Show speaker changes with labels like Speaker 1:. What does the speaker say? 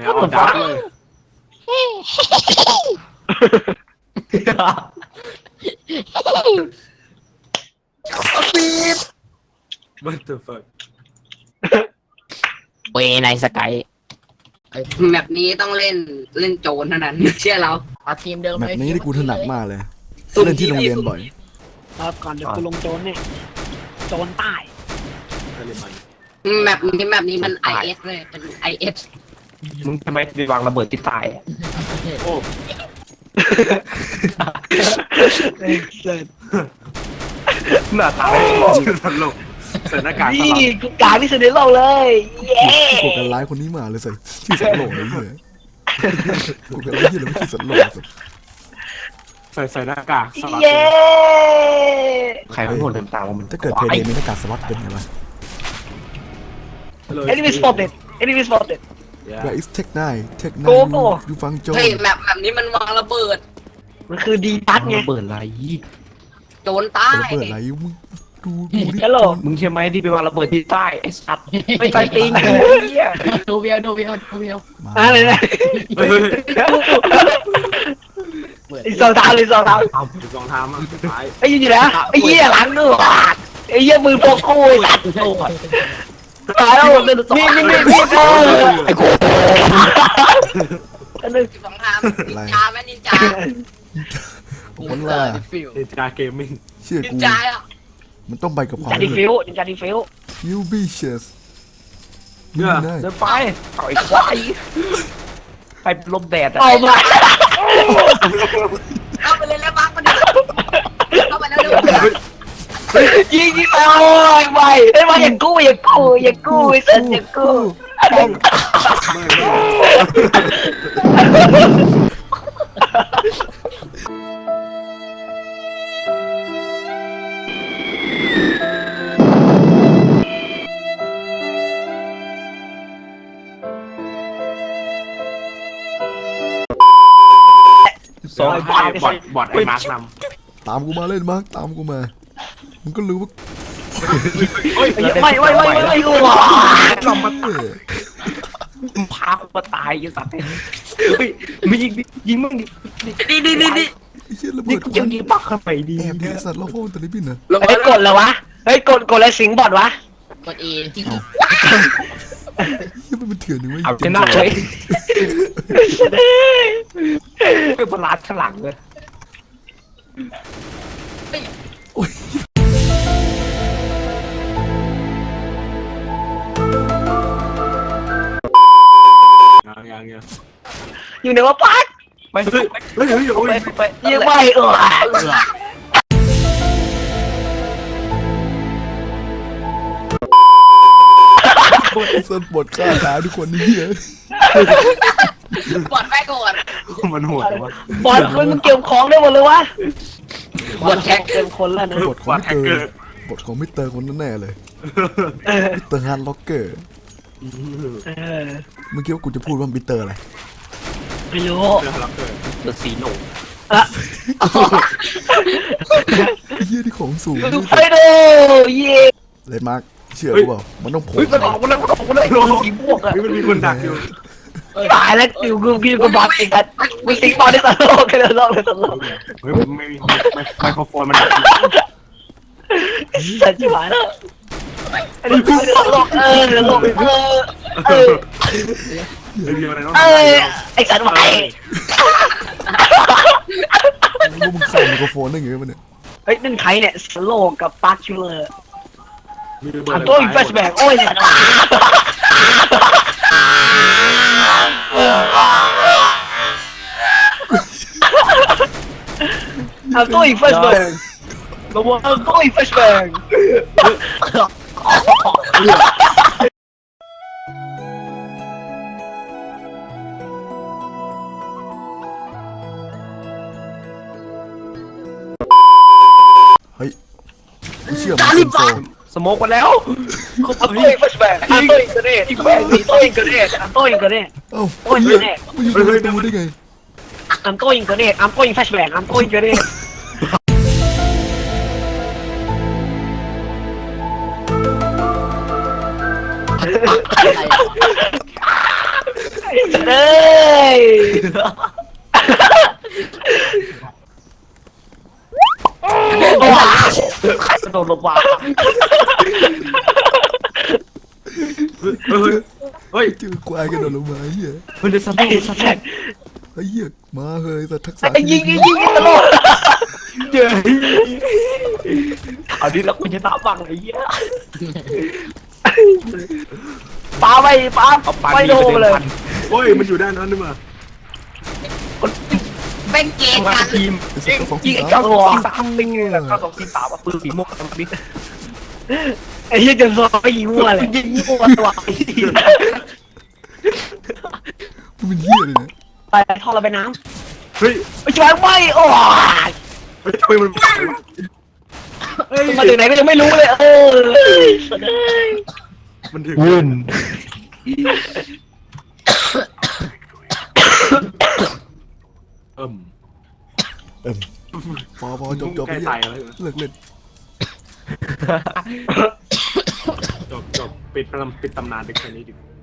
Speaker 1: วเอาดับเลย
Speaker 2: ปี๊บ
Speaker 1: What the fuck
Speaker 3: เวในสกาย
Speaker 2: แบบนี้ต้องเล่นโจรเท่านั้นเชื่อเรา
Speaker 3: เอาทีมเดิม
Speaker 4: แม
Speaker 3: เล
Speaker 4: ป
Speaker 3: ย
Speaker 4: นี้ที่กูถนัดมากเลยเล่นที่โรงเรียนบ่อย
Speaker 5: รอก่อนเดี๋ยวกูลงโจรเนี่ยโจรใต้
Speaker 2: แบบนี้มัน IS เลยเป็น IS
Speaker 3: มึงทำไมไปวางระเบิดที่ตาย
Speaker 1: โอ้
Speaker 3: หน้าตาย
Speaker 1: ตลกใส่หน้ากากตล
Speaker 5: นี่
Speaker 1: อด
Speaker 5: กูกาที่สุดในโลกเลยเย้
Speaker 4: กูกันร้ายคนนี้มาเลยใส่ชื่อสันโหลงเลยเหี้ยกูกันร้ายที่เราไม่ชื่อสันโหลง
Speaker 1: ใส่หน้ากากสลับ
Speaker 5: เย้
Speaker 3: ใครไม่หมดเต็มตาว่ามัน
Speaker 4: ถ้าเกิดเพย์เดย์มีหน้ากากสล็อตเป็นไงวะ
Speaker 5: เอนิมิสปอตเด็ดเอนิมิสปอตเด็ด
Speaker 4: Where is Tech 9 Tech 9
Speaker 5: โกโก้
Speaker 4: อยู่ฟังโจ
Speaker 2: เฮ้ยแบบนี้มันวางระเบิด
Speaker 5: มันคือดีทัศไง
Speaker 3: ระเบิดอะไร
Speaker 2: โจรใต้
Speaker 4: ระเบิดอะไรมึงดูดิ
Speaker 5: ฮัลโหล
Speaker 3: มึงใช่ไหมที่ไปวางระเบิดที่ใต้ไอ้สัตว์ไม่ใต้ตีนเหี้ย
Speaker 6: ดูเบียวดูเบียวดูเบียว
Speaker 4: มา
Speaker 5: อะไรนะ
Speaker 1: เฮ้ย
Speaker 5: อีกสองทางเลยสองทาง
Speaker 1: จุดรองเท้ามันสุดท้าย
Speaker 5: ไอ้ยี่อยู่แล้วไอ้ยี่หลังนู่นไอ้ยี่มือโปกกูไอ้สัตว์ตายแล้วมีไอ้กูอันนึง
Speaker 2: สองทางนินจาไหมนินจา
Speaker 4: มันล่า
Speaker 6: ฟิว
Speaker 1: เนจาเกมมิ่ง
Speaker 4: เชื่อ
Speaker 2: นิน
Speaker 4: กู
Speaker 2: จาอ่ะ
Speaker 4: มันต้องไปกับความ
Speaker 5: จาดีฟิวจาดีฟิว
Speaker 4: You be chess
Speaker 1: เนี่ย
Speaker 4: ได้
Speaker 3: เดินไปต่อยควายไปลมแดดอะ
Speaker 5: เอามา
Speaker 2: เข้าไปเลยแล้วบักมันเข้าไปแล้วเร็ว
Speaker 5: ยิงโอ้ยไม่ไอ้มาอย่างกูไอ้สัตว์อย่างกู
Speaker 3: สอง
Speaker 1: บอดไอ้มาร์คน
Speaker 4: ตามกูมาเล่นมาร์คตามกูมามึงก็รู้ว่า
Speaker 1: ำเฮ้ย
Speaker 5: ไม่กูหรอ
Speaker 3: พามาตายยังสัตว์เฮ้ยมียิงมึงดิ
Speaker 2: นี่
Speaker 4: ไอ้เหี้ยระเบิ
Speaker 3: นี่
Speaker 4: ด
Speaker 3: กูยังยิงปักเข้าไปดี
Speaker 4: แอบดิสัตว์เราโค่นแต่ลิบินนะ
Speaker 2: ลง
Speaker 5: เฮ้ยกดแล้ววะเฮ้ยกดอะไรสิงบอดวะ
Speaker 6: กด E
Speaker 4: เหี้ยมันเป็นเถื่อนนึงเว้ย
Speaker 3: เอาชนะเลยเป็นบอลลัดข้างหลังเลย
Speaker 4: โอ้ย
Speaker 1: ยัง
Speaker 5: อยู่ไหนวะปั๊ด
Speaker 3: ไปไป
Speaker 1: เฮ้ยโอ้ย
Speaker 3: ไป
Speaker 5: ยังไม่
Speaker 4: สัตว์ปวดข้าตาทุกคนนี่เหี้ย
Speaker 2: บอดไปก่อน
Speaker 1: มันโหดจังวะ
Speaker 5: บอลมันเกี่ยวของได้หมดเลยวะ
Speaker 2: บอดแท็ก
Speaker 5: เต็มคนแล้วนะ
Speaker 4: บทของมิสเตอร์บทของมิสเตอร์คนนั้นแน่เลยมิสเตอร์ฮาร์ดล็อกเกอร์เมื่อกี้ว่ากูจะพูดว่ามิสเตอร์อะไร
Speaker 5: ไม่รู้
Speaker 1: เจอฮาร์ล็อกเกอร์
Speaker 3: เดือดสีโหน
Speaker 4: ไอ้เหี้ยที่ของสูง
Speaker 5: ดูไปดูเย่
Speaker 4: เลยมาร์คเชื่อกูเปล่ามันต้องโผล่
Speaker 3: เฮ้ยมันออกมาแล้วสีม่วงอะ
Speaker 1: มันมีคนดักอยู่
Speaker 5: ตายแล้วอยู่กูบอลอีกอ่ะมึงสิงบอลได้ตลกกันตลกเลยตลก
Speaker 1: เฮ้ยไม่มีไมโครโฟนมันดัก
Speaker 5: สัตว์ชิบหายแล้วอันนี้กูตลกตลก
Speaker 1: เฮ้ยมีอะไรต้อง
Speaker 5: ไอ้สัตว์ไหว
Speaker 4: พวกมึงใส่ไมโครโฟนได้ไงวะเนี่ย
Speaker 5: เฮ้ยนั่นใครเนี่ยสโลกับปาร์คชูเลอร์
Speaker 1: มีเบอ
Speaker 5: อัน
Speaker 1: ร์
Speaker 5: โต้อีกแฟชแบ็กโอ้ยสัตว์อันโต้อีกแฟชแบ็กระวังอันโต้อีกแฟชแบ็ก
Speaker 4: เฮ้ยไอ้เชื่อมันเป็นโซ
Speaker 3: สโมกมาแล้ว
Speaker 5: อันโต้อีกแฟชแบ็กอันโต้อีกกระเด็นอันโต้อีกกระเด็นอันโต้อีกกระเด็น
Speaker 4: เอ้า
Speaker 5: โอ้ย
Speaker 4: เหี้ย
Speaker 5: แน่
Speaker 4: มันอยู่ในประตูได้ไง
Speaker 5: I'm going grenade. I'm going flashbang. I'm going grenade. ไอ้เอ้ย
Speaker 3: ใครกระโดดลงมา
Speaker 1: เฮ้ย
Speaker 4: จืดกวายกันโดนลงมาไอ้เหี้ย
Speaker 3: มันจะสนุกสนุก
Speaker 4: ไอ้เหี้ยมาเฮ้ยแต่ทักษะ
Speaker 5: ไอ้ยิงตลอด
Speaker 3: เจอเอาดิเราควรจะตามบังไอ้เหี้ย
Speaker 5: ปาไปปา
Speaker 3: เอาปา
Speaker 5: ไป
Speaker 3: ดี
Speaker 5: โด
Speaker 3: ไป
Speaker 5: น
Speaker 3: เดิ
Speaker 5: เลย
Speaker 3: มพัน
Speaker 1: โอ้ยมันอยู่ด้านนั้นนี่มา
Speaker 2: เป็นเกม
Speaker 3: ทำงาน
Speaker 2: กัน
Speaker 3: ทีม
Speaker 4: ไอ้สัตว์ก็สอง
Speaker 3: ยิ
Speaker 4: ที
Speaker 3: งไอ้
Speaker 4: สาม
Speaker 3: เก้าสองสามลิงเลยเก้าสองสี่สามปืนสีม่วงกับบิ๊ก
Speaker 5: ไอ้เหี้ยจะซอยยิงมั่วเลย
Speaker 3: ยิงมั่วตัว
Speaker 4: มันเป็นเหี้ยเลยนะ
Speaker 5: ไปท่อเราไปน้
Speaker 1: เฮ้ย
Speaker 5: ำไปช่วยไม่โอ้ย
Speaker 1: เฮ้ยทำไมมันเฮ้ย
Speaker 5: มาถึงไหนก็ยังไม่รู้เลย
Speaker 1: มันถึง
Speaker 3: วุ่น
Speaker 1: เอิ่ม
Speaker 4: พอจบ
Speaker 1: ใกล้
Speaker 4: ไอ้เหี้ย
Speaker 1: ตายแล้ว
Speaker 4: เลิกเล่น
Speaker 1: จบปิดตำนานไปแค่นี้ดีกว่า